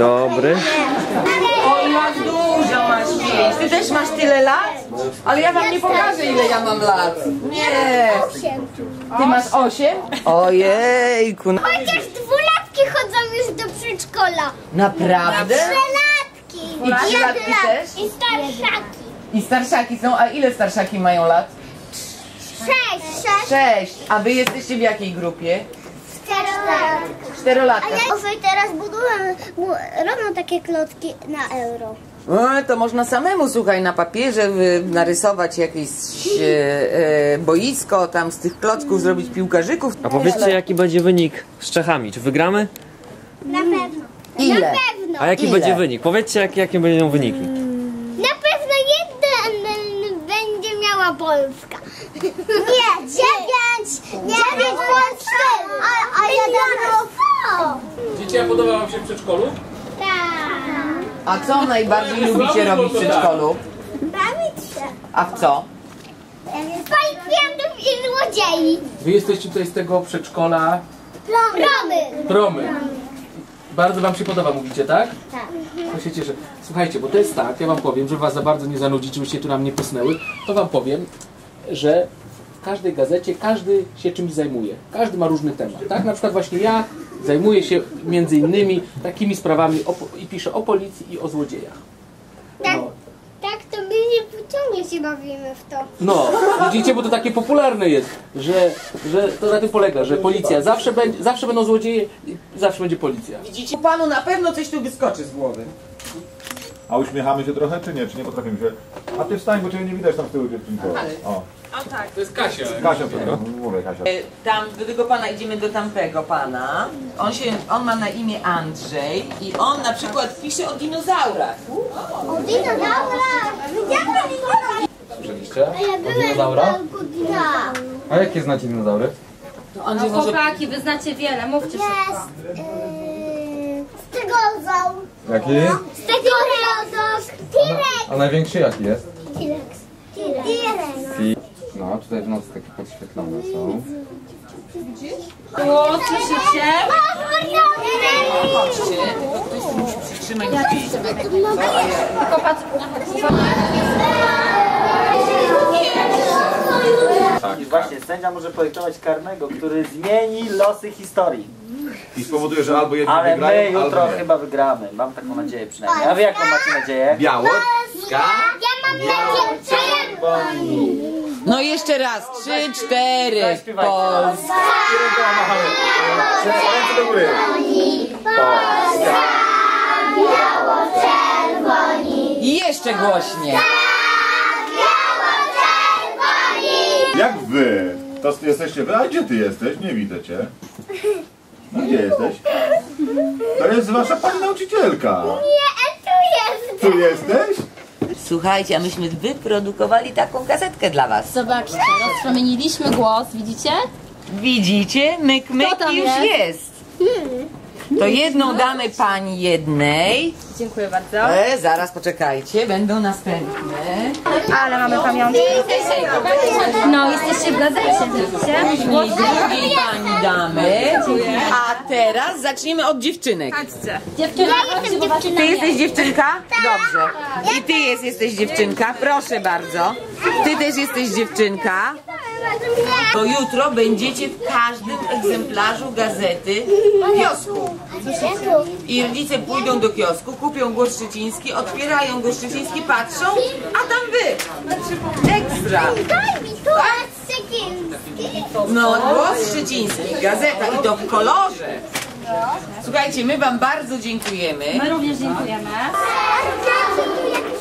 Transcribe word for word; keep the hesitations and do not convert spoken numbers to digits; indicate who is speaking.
Speaker 1: dobry.
Speaker 2: O, jak dużo masz pięć. Ty też masz tyle lat? Ale ja wam nie pokażę, ile ja mam lat. Nie. Ty masz osiem? Ojejku.
Speaker 3: Chociaż dwulatki chodzą już do przedszkola.
Speaker 2: Naprawdę?
Speaker 3: Trzylatki.
Speaker 2: I trzylatki też?
Speaker 3: I starszaki.
Speaker 2: I starszaki są, a ile starszaki mają lat?
Speaker 3: Sześć.
Speaker 2: Sześć. A wy jesteście w jakiej grupie?
Speaker 3: Czterolatki.
Speaker 2: Czterolatka.
Speaker 3: A ja sobie teraz buduję, bu- robią takie klocki na euro.
Speaker 2: O, to można samemu, słuchaj, na papierze y, narysować jakieś e, e, boisko, tam z tych klocków zrobić piłkarzyków.
Speaker 1: A powiedzcie, jaki będzie wynik z Czechami? Czy wygramy?
Speaker 3: Na pewno.
Speaker 2: Ile?
Speaker 3: Na pewno.
Speaker 1: A jaki
Speaker 2: Ile?
Speaker 1: będzie wynik? Powiedzcie, jak, jakie będą wyniki.
Speaker 3: Na pewno jeden będzie miała Polska. Nie, dziewięć. Dziewięć bądź cztery. A, a jeden.
Speaker 4: Dzieci, a podoba wam się w przedszkolu?
Speaker 3: Tak.
Speaker 2: A co najbardziej lubicie robić w przedszkolu?
Speaker 3: Bawić się.
Speaker 2: A w co?
Speaker 3: Policjantów i złodziei.
Speaker 4: Wy jesteście tutaj z tego przedszkola
Speaker 3: Promy.
Speaker 4: Promy. Bardzo wam się podoba, mówicie, tak?
Speaker 3: Tak.
Speaker 4: To się cieszę. Słuchajcie, bo to jest tak, ja wam powiem, żeby was za bardzo nie zanudzić, żebyście tu nam nie posnęły, to wam powiem, że w każdej gazecie każdy się czymś zajmuje. Każdy ma różny temat, tak? Na przykład właśnie ja zajmuję się między innymi takimi sprawami o, i piszę o policji i o złodziejach.
Speaker 3: Tak,
Speaker 4: No.
Speaker 3: tak to my nie ciągle się bawimy w to.
Speaker 4: No, widzicie, bo to takie popularne jest, że, że to na tym polega, że policja zawsze będzie, zawsze będą złodzieje i zawsze będzie policja.
Speaker 2: Widzicie? Panu na pewno coś tu wyskoczy z głowy.
Speaker 5: A uśmiechamy się trochę, czy nie? Czy nie potrafimy się? A ty wstań, bo ciebie nie widać tam z tyłu, dziewczynko. O,
Speaker 4: To jest Kasia.
Speaker 5: Kasia, to mówię, Kasia.
Speaker 2: E, Tam do tego pana idziemy do tamtego pana. On się, on ma na imię Andrzej i on na przykład pisze o dinozaurach.
Speaker 3: O dinozaurach! Widziałam dinozaura!
Speaker 4: Słyszeliście?
Speaker 3: A ja byłem w dinozaura.
Speaker 6: A jakie znacie dinozaury?
Speaker 2: Andrzej może...
Speaker 7: Chłopaki, wy znacie wiele, mówcie szybko.
Speaker 3: Jest yy, stegozaur.
Speaker 6: Jaki?
Speaker 3: Stegozaur. T-Rex.
Speaker 6: A największy jaki jest?
Speaker 3: T-Rex. T-Rex.
Speaker 6: I... No, tutaj w nocy takie podświetlone są.
Speaker 7: O, słyszycie?
Speaker 2: Chodźcie, tylko ktoś tu musi przytrzymać drzwi.
Speaker 7: Popatrz.
Speaker 8: I właśnie sędzia może projektować karnego, który zmieni losy historii.
Speaker 5: I spowoduje, że albo jedni
Speaker 8: Ale my
Speaker 5: wygrają,
Speaker 8: jutro
Speaker 5: albo nie.
Speaker 8: chyba wygramy. Mam taką nadzieję przynajmniej. A wy jaką macie nadzieję?
Speaker 5: Białocka.
Speaker 3: Ja mam nadzieję, czerwoni.
Speaker 2: No jeszcze raz, trzy, cztery,
Speaker 8: Zaśpiewajcie.
Speaker 2: Polska.
Speaker 5: Ręce do góry.
Speaker 2: I jeszcze głośniej.
Speaker 5: Jak wy? To jesteście wy? A gdzie ty jesteś? Nie widzę cię. No gdzie jesteś? To jest wasza pani nauczycielka.
Speaker 3: Nie, tu jest.
Speaker 5: Tu jesteś?
Speaker 2: Słuchajcie, a myśmy wyprodukowali taką kasetkę dla was.
Speaker 7: Zobaczcie, rozpromieniliśmy głos, widzicie?
Speaker 2: Widzicie? Myk, myk
Speaker 7: Kto tam
Speaker 2: już
Speaker 7: jest?
Speaker 2: jest. To jedną damy pani jednej.
Speaker 7: Dziękuję bardzo.
Speaker 2: E, zaraz poczekajcie, będą następne.
Speaker 7: Ale mamy pamiątkę. No, jesteście w gazecie, widzicie?
Speaker 2: Później drugiej pani damy. A teraz zaczniemy od dziewczynek.
Speaker 7: Chodźcie.
Speaker 3: Ja jestem dziewczyną.
Speaker 2: Ty jesteś dziewczynka? Dobrze. I ty jest, jesteś dziewczynka? Proszę bardzo. Ty też jesteś dziewczynka? To jutro będziecie w każdym egzemplarzu gazety w kiosku. I rodzice pójdą do kiosku, kupią Głos Szczeciński, otwierają Głos Szczeciński, patrzą, a tam wy. Ekstra.
Speaker 3: Daj mi tu. Szczeciński.
Speaker 2: No, Głos Szczeciński, gazeta i to w kolorze. Słuchajcie, my wam bardzo dziękujemy.
Speaker 7: My również dziękujemy.
Speaker 3: A,